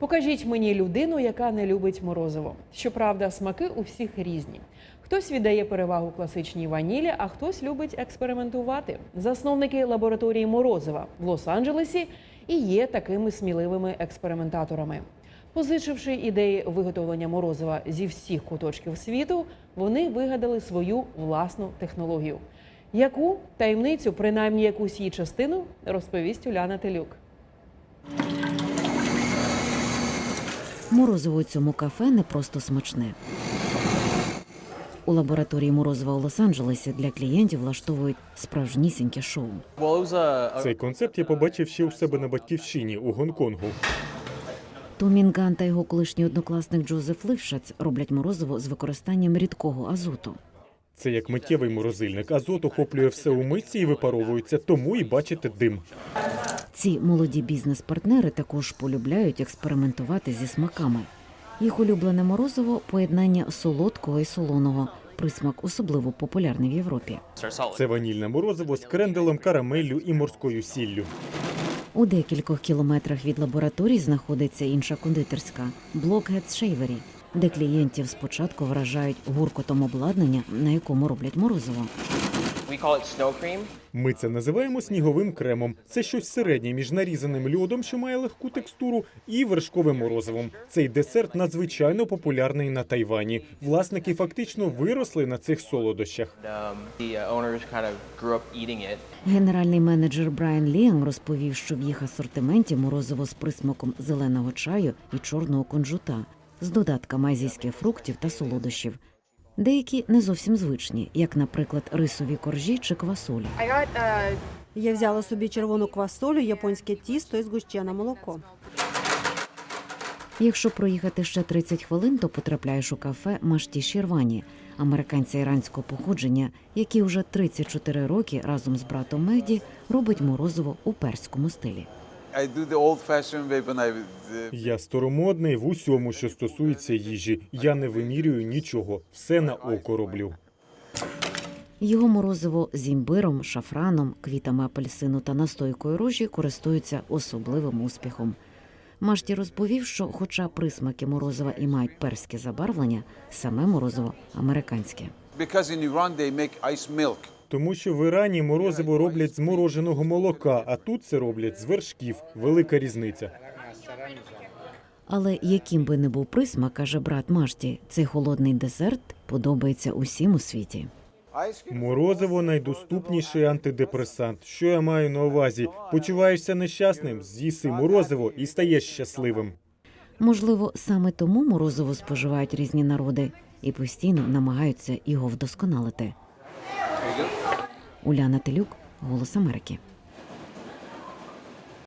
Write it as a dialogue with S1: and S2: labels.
S1: Покажіть мені людину, яка не любить морозиво. Щоправда, смаки у всіх різні. Хтось віддає перевагу класичній ванілі, а хтось любить експериментувати. Засновники лабораторії морозива в Лос-Анджелесі і є такими сміливими експериментаторами. Позичивши ідеї виготовлення морозива зі всіх куточків світу, вони вигадали свою власну технологію. Яку таємницю, принаймні якусь її частину, розповість Уляна Телюк.
S2: Морозиво у цьому кафе не просто смачне. У лабораторії морозива у Лос-Анджелесі для клієнтів влаштовують справжнісіньке шоу.
S3: Цей концепт я побачив ще у себе на батьківщині у Гонконгу.
S2: То Мінган та його колишній однокласник Джозеф Лившац роблять морозиво з використанням рідкого азоту.
S3: Це як миттєвий морозильник. Азот охоплює все у мисці і випаровується, тому і бачите дим.
S2: Ці молоді бізнес-партнери також полюбляють експериментувати зі смаками. Їх улюблене морозиво – поєднання солодкого і солоного. Присмак особливо популярний в Європі.
S3: Це ванільне морозиво з кренделем, карамеллю і морською сіллю.
S2: У декількох кілометрах від лабораторій знаходиться інша кондитерська – Blockheads Shavery, де клієнтів спочатку вражають гуркотом обладнання, на якому роблять морозиво.
S3: Ми це називаємо сніговим кремом. Це щось середнє між нарізаним льодом, що має легку текстуру, і вершковим морозивом. Цей десерт надзвичайно популярний на Тайвані. Власники фактично виросли на цих солодощах.
S2: Генеральний менеджер Брайан Ліам розповів, що в їх асортименті морозиво з присмаком зеленого чаю і чорного кунжута, з додатками азійських фруктів та солодощів. Деякі не зовсім звичні, як, наприклад, рисові коржі чи квасолі.
S4: Я взяла собі червону квасолю, японське тісто і згущене молоко.
S2: Якщо проїхати ще 30 хвилин, то потрапляєш у кафе Машті Шірвані, американця іранського походження, який вже 34 роки разом з братом Мехді робить морозиво у перському стилі.
S3: Я старомодний в усьому, що стосується їжі. Я не вимірюю нічого. Все на око роблю.
S2: Його морозиво з імбиром, шафраном, квітами апельсину та настойкою рожі користуються особливим успіхом. Машті розповів, що хоча присмаки морозива і мають перське забарвлення, саме морозиво американське.
S3: Тому що в Ірані морозиво роблять з мороженого молока, а тут це роблять з вершків. Велика різниця.
S2: Але яким би не був присмак, каже брат Машті, цей холодний десерт подобається усім у світі.
S3: Морозиво – найдоступніший антидепресант. Що я маю на увазі? Почуваєшся нещасним? З'їси морозиво і стаєш щасливим.
S2: Можливо, саме тому морозиво споживають різні народи і постійно намагаються його вдосконалити. Уляна Телюк, «Голос Америки».